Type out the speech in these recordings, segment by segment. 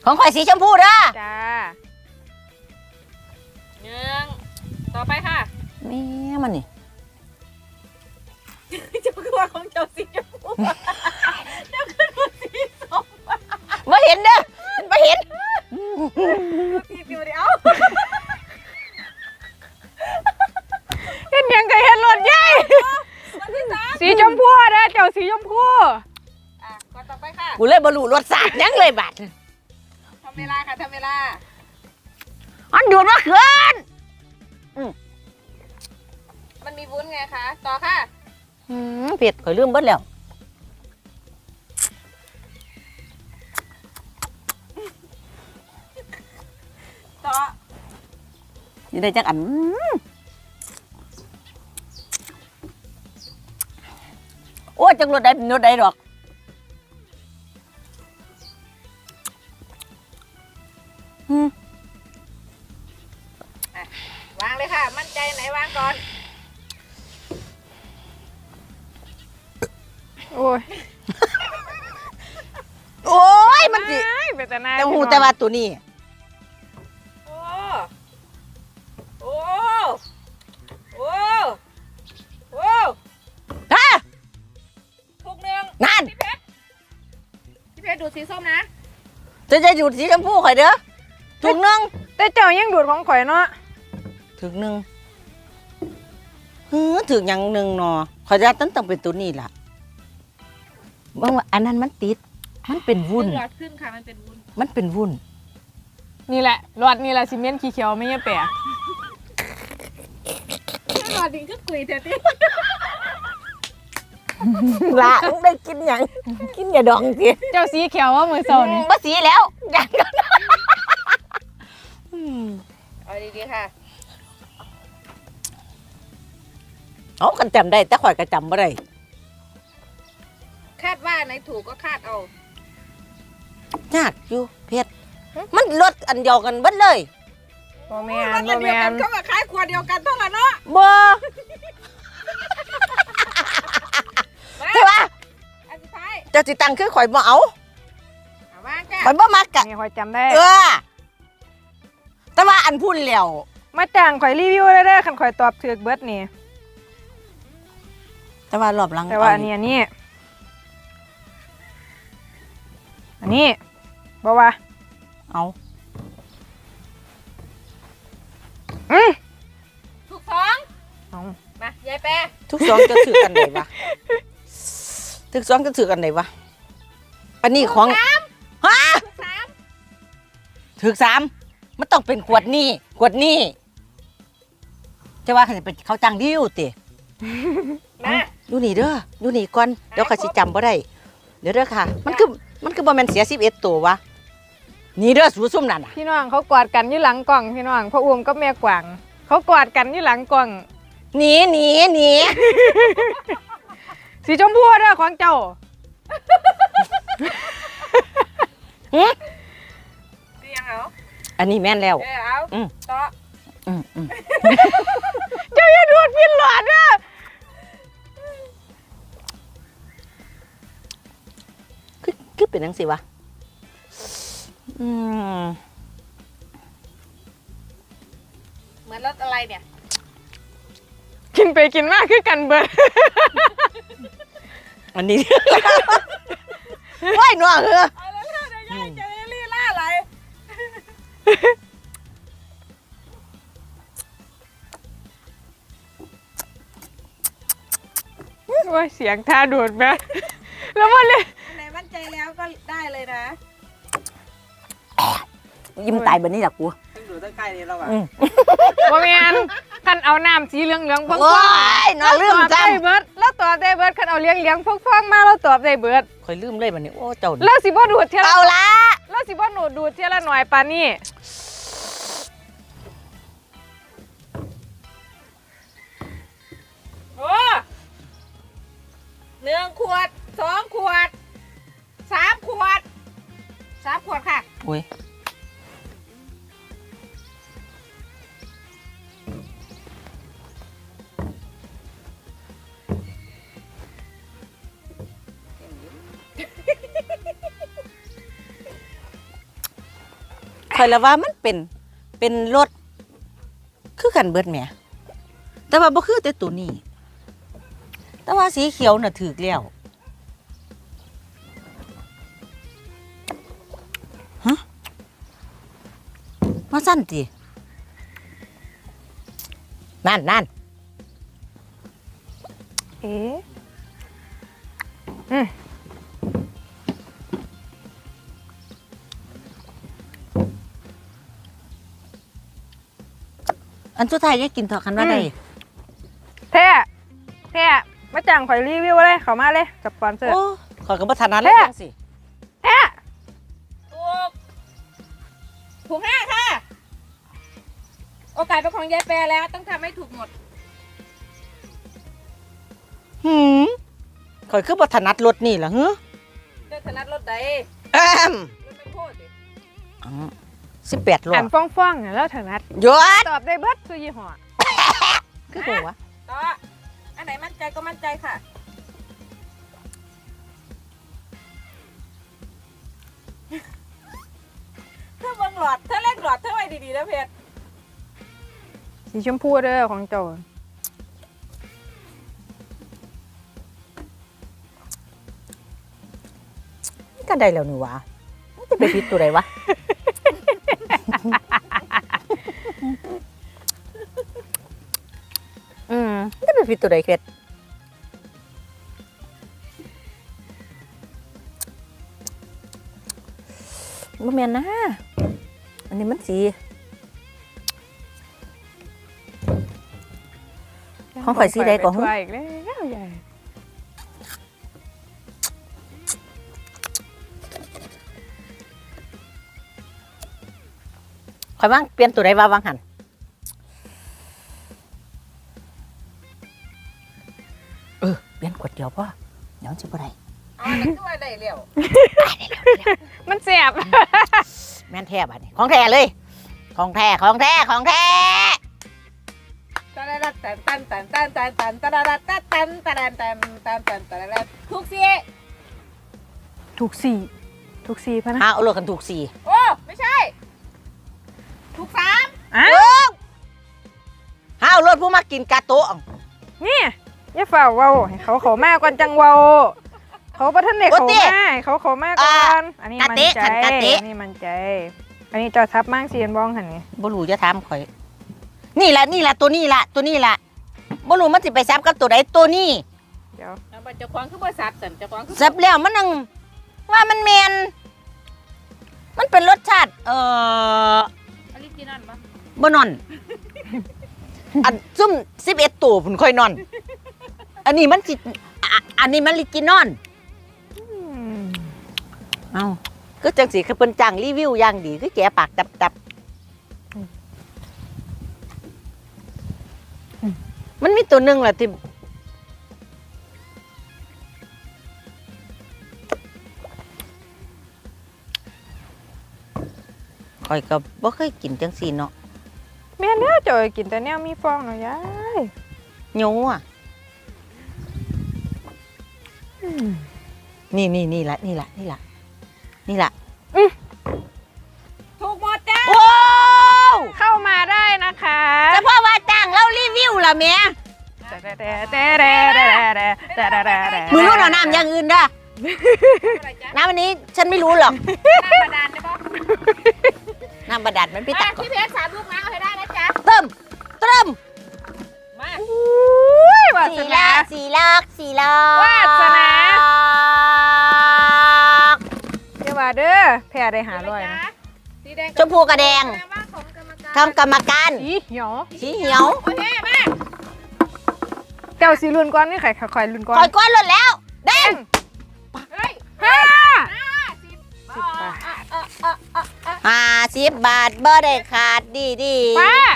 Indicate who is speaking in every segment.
Speaker 1: ของข่อยสีชมพูเด้อ
Speaker 2: จ้า
Speaker 3: ต่อไปค่ะ
Speaker 1: แม่มันนี่
Speaker 3: เจ้าคือว่าของเจ้าสีชมพูเจ้าคือว่าสีส้ม
Speaker 1: มาเห็นเด้อมาเห็น
Speaker 3: สีเดียว
Speaker 2: เห็นยังก็เห็นรถใหญ่สีชมพูนะเจ้าสีชมพู
Speaker 3: ก่อนต่อไปค่ะ
Speaker 1: กูเลยบรรลุรสชาติยังเลยบัด
Speaker 3: ทำเวลาค่ะทำเวลา
Speaker 1: อันดูดมาเขิน
Speaker 3: มันมีวุ้นไงคะต่อค่ะ
Speaker 1: เผ็ดข่อยลืมเบิดแล้ว
Speaker 3: ต่อ
Speaker 1: อยู่ได้จักอันโอ้จังรถใดเป็นรถใดดอก
Speaker 3: วางเลยค่ะมั่นใจไหนวางก่อน
Speaker 2: โอ้ย
Speaker 1: โอ้ยมันสิแต่หูแต่ว่าตัวนี้
Speaker 3: โอ้โอ้โอ้โอ้
Speaker 1: ฮะ
Speaker 3: ถูกหนึ่ง
Speaker 1: นั่น
Speaker 3: พี่เพชรดูสีส้มนะ
Speaker 1: จะอยู่สีชมพูข่อยเด้อถูกหนึ่ง
Speaker 2: แต่เจ้ายังดูดของข่อยเนาะ
Speaker 1: ถึงหนึ่งถึงอย่างหนึ่งเนาะข่อยจะต้องเป็นตัวนี้ล่ะบางว่าอันนั้นมันติดมันเป็นวุ้น
Speaker 3: หลอดขึ้นค่ะมันเป็นวุ้น
Speaker 1: มันเป็นวุ้น
Speaker 2: นี่แหละหลอดนี่แหละซีเมนต์ขี้เขียวไม่ใช่แปะ
Speaker 3: หลอดดินก็กุยเถอะดิ
Speaker 1: ละได้กินอย่างกินอย่าดองสิ
Speaker 2: เจ้าสีเขียวว่ามือโซน
Speaker 1: บ่สีแล้วอย่าง
Speaker 3: เอาดีๆค่ะ
Speaker 1: เอากันจำได้แต่ข่อยก็จำไม่ได้
Speaker 3: คาดว่าไหนถูกก็คาดเอา
Speaker 1: ยากอยู่เพชรมันลดอันเดียวกันเบิดเลย
Speaker 2: โมแมนโมแมน
Speaker 3: ก็คล้ายขวดเดียวกันเท่านั้นเนาะ
Speaker 1: บ่ใช่ปะ
Speaker 3: อันสุดท้าย
Speaker 1: เจ้าสิตังคือข่อยบ่เอา
Speaker 3: วางจ้ะ
Speaker 1: ข่อยบ่มักกะ
Speaker 2: นี่ข่อยจำได้
Speaker 1: แต่ว่าอันพูดแล้ว
Speaker 2: มาจ้างข่อยรีวิวได้คันข่อยตอบถูกเบิดนี่
Speaker 1: แต่ว่ารอบหลัง
Speaker 2: แต่ว่าอันนี้บอกว่า
Speaker 1: เอา
Speaker 3: ถูกสองมายายแปร
Speaker 1: ทุกสองจะถือกันไหนวะทุกสองจะถือกันไหนวะอันนี้ของฮะถือสามมันต้องเป็นขวดนี่จะว่าเขาจังดิ้วติดูนี่เด้อดูนี่ก่อนเดี๋ยวข้าสิจำบ่ได้เดี๋ยวเด้อค่ะมันคือบ่แม่นเสีย11ตัววะนี่เด้อสูซุ่มนั่นน่ะ
Speaker 2: พี่น้องเขากอดกันอยู่หลังกล่องพี่น้องพ่ออุ้มกับแม่กวางเขากอดกันอยู่หลังกล่อง
Speaker 1: หนี
Speaker 2: สีชมพูเด้อของเจ้า
Speaker 3: สียังเอา
Speaker 1: อันนี้แม่นแล้ว
Speaker 3: เอาต่อ
Speaker 2: เจ้าอย่าดูดพินหลอดเด้อ
Speaker 1: คือเป็นจังซี่วะ
Speaker 3: เหมือนรสอะไรเนี่ย
Speaker 2: กินไปกินมากคือกันเบิด
Speaker 1: อันนี้ว้ายหนัวเหรอ
Speaker 3: เอาแล้วเดี๋ยวยายจะรีล่าอะไร
Speaker 2: ว่าเสียงท่าดูดไหมแล้วมันเลย
Speaker 3: ไหนมั่นใจแล้วก็ได้เลยนะ
Speaker 1: ยิ้มตายแบบนี้แหละกู
Speaker 3: ต้องดูตั้งใกล้นี้แล้วอ่ะ
Speaker 2: ว่าแมนคันเอาน้ำสีเหลืองๆพวก
Speaker 1: น่าลืม
Speaker 2: จำเบิร์ดแล้วตอบได้เบิร์ดคันเอาเลี้ยงพวกมาแล้วตอบได้เบิร์ด
Speaker 1: คอยลืมเลยแบบนี้โอ้เจ้า
Speaker 2: แล้วสิบ่ดูดเท่า
Speaker 1: เอาละ
Speaker 2: แล้วสิบ่ดูดเท่าละหน่อยปานี่
Speaker 3: โอ้1 ขวด 2 ขวด 3 ขวดค่ะ
Speaker 1: โอ้ยอยละว่ามันเป็นรถคือกันเบิดแหมแต่ว่าบ่คือแต่ตัวนี้ แต่ว่าสีเขียวน่ะถูกแล้วฮะมาสั่นตินั่น
Speaker 2: เอ๊ะ
Speaker 1: อันสุดท้ายจะกินเถอะคันว่าได้
Speaker 2: แท้มาจ้างข่อยรีวิวเลยเข้ามาเลยกับสปอนเซอร์
Speaker 1: โอ้ขอยก็บ่ทันนั้นเลยจังสิ
Speaker 2: แท้
Speaker 3: ถูก5ค่ะ โอกาสเป็นของยายแปรแล้วต้องทำให้ถูกหมด
Speaker 1: ข่อยคือบ่ถนัดรถนี่ล่ะฮึ
Speaker 3: เจ้าถนัดรถใด
Speaker 1: แอม
Speaker 3: รถไม่โคตรดิ
Speaker 1: 18รอ
Speaker 2: อั
Speaker 1: บ
Speaker 2: นฟ้องๆแล้วถนัด
Speaker 1: หยุด
Speaker 2: ตอบได้เบิดซุยี่ห้อ
Speaker 1: คือบ่วะ
Speaker 3: ต่ออันไหนมั่นใจก็มั่นใจค่ะ เธอเบิ่งหลอดเธอเล่นหลอดเธอไว้ดีๆนะเพชร
Speaker 2: สีชมพูเด้อของเจ้า
Speaker 1: นี่ก็ได้แล้วนี่วะมันจะไปผิดตัวใดวะ มันจะไปผิดตัวใดเค็ดบ่แม่นนะ อันนี้มันสี ของข่อยสีใดก่อน
Speaker 2: ไปอีกแล้วใหญ่
Speaker 1: ข่อยว่างเปลี่ยนตัวใดว่าวางหันเปลี่ยนขวดเดียวพ่อเดี๋ยวสิบ่ได้
Speaker 3: อ๋อนั่นคือว่าได้เร็ว
Speaker 2: มันเสียบ
Speaker 1: แม่นแท้บัดนี้ของแท้เลย ของแท้
Speaker 3: ถูกสิ
Speaker 2: ถูกสี่พะนะ
Speaker 1: เอารถกันถูกสี่
Speaker 3: โอ้ไม่ใช่ ถูก3
Speaker 2: อ้า
Speaker 1: เอารถผู้มากินกาโตะ
Speaker 2: นี่อย่าฝ่าเว้าให้เขาขอมากก่อนจังเว้าเขาประทันเด็กเขามาให้เขาขอมากก่อนอันนี้มันใจอันนี้มันใจ อันนี้จอทับมากเสียนบ้องหันนี่
Speaker 1: บ่รู้จะถามข่อย นี่ล่ะตัวนี้ล่ะบ่รู้มันสิไปซับกับตัวใดตัวนี้
Speaker 2: เดี๋ยว
Speaker 3: เอาบัตรเจ้าของคือบริษัทสันเจ้าของคือ
Speaker 1: ซับแล้วมันนั่งว่ามันแม่นมันเป็นรสชาติ
Speaker 3: ออริจินอลปะ
Speaker 1: บ่นอน อันซุ่ม11ตัวพุ่นค่อยนอน อันนี้มันสิอันนี้มันลิกินอนเอ้าก็จังสิคือเพิ่นจ้างรีวิวอย่างดีคือแกปากตับมันมีตัวหนึงล่ะที่ข่อยก็บ่เคยกินจังซี่เนาะ
Speaker 2: แม่เนี่ยจอยกินแต่แนวมีฟองหน่อยยาย
Speaker 1: โยอ่ะนี่ละ
Speaker 3: ถูกหมดจ้า
Speaker 1: โอ้ว
Speaker 2: เข้ามาได้นะคะ
Speaker 1: เฉพาะว่าจ้างเรารีวิวล่ะแม่มือรุ่นเอาน้ำอย่างอื่นเด้อ
Speaker 3: อะไรจ๊ะ
Speaker 1: น้ำอันนี้ฉันไม่รู้หรอก
Speaker 3: น้ำบาดาลได้ปะ
Speaker 1: น้ำบาดาลมันพี่ตัก
Speaker 3: พี่เพชร3 ลูกน้ำเอาให้ได้นะจ๊ะ
Speaker 1: เติม
Speaker 3: มา
Speaker 2: อุ้ยวาสนา
Speaker 1: สี่ลอก
Speaker 2: วาสนา เดี๋ยวว่าเด้อแพ้ได้500นะ
Speaker 3: สีแดง
Speaker 1: ชมพูกระแดง
Speaker 3: แสดว่าของกรรมการ
Speaker 1: ทำกรรมการ
Speaker 2: สีเหียว
Speaker 1: สีเหียว
Speaker 3: โอเคมา
Speaker 2: เจ้าสีรุ่นก่อนนี่ใครคอยรุ่นก่อน
Speaker 1: คอยก้อนหลดแล้วแดง
Speaker 3: เฮ้ย
Speaker 2: 10 บาท
Speaker 1: 50 บาทบ่ได้ขาดดี
Speaker 2: ป้า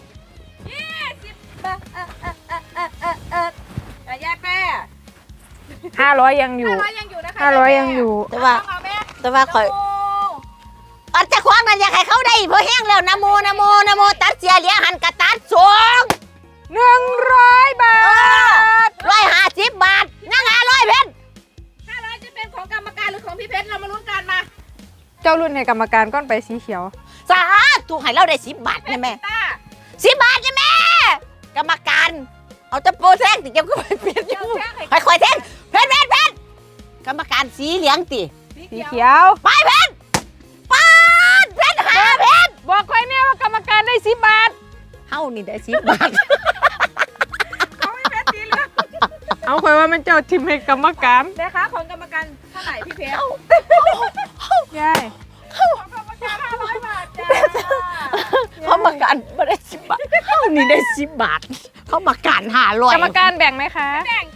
Speaker 3: ยายแป้
Speaker 2: 500ยังอยู่
Speaker 3: 500ยังอยู่นะคะ
Speaker 2: 500ยังอยู่
Speaker 1: แต่ว่า แต่ว่าคอยอันจะคว้างนั่นอยากให้เขาได้เพราะแห้งแล้วนะโมตัดเสียเหลียหันกระตัดสูง
Speaker 2: 100 บาท
Speaker 1: 150 บาทนั่ง500เพชร
Speaker 3: 500จะเป็นของกรรมการหรือของพี่เพชรเรามาลุ้นกันมา
Speaker 2: เจ้ารุ่นให้กรรมการก้อนไปสีเขียว
Speaker 1: สาถูกให้เราได้10 บาทนะแม่
Speaker 3: ตา
Speaker 1: 10 บาทนะแม่กรรมการเอาตะโปแท่งติเก็บก็ไปเปลี่ยนอยู่ค่อยๆแท่งเพชรกรรมการสีเหลืองติ
Speaker 2: สีเขียว
Speaker 1: ไปเพชรป้าดเพชรหาเพชร
Speaker 2: บอกใครเนี่ยว่ากรรมการได้10 บาท
Speaker 1: เฮานี่ได้10 บาท
Speaker 3: เขาไม่เป็นสีเหลือง
Speaker 2: เอาคอยว่ามันเจ้าทิมให้กรรมการ
Speaker 3: นะคะของกรรมการเท่าไหร่พี่เพชร
Speaker 2: ยาย
Speaker 3: ของกรรมการ500 บาทจ้า
Speaker 1: เขามาการไม่ได้10 บาทเฮานี่ได้10 บาทเขามาการ500
Speaker 2: กรรมการแบ่งไหมคะ
Speaker 3: แบ่ง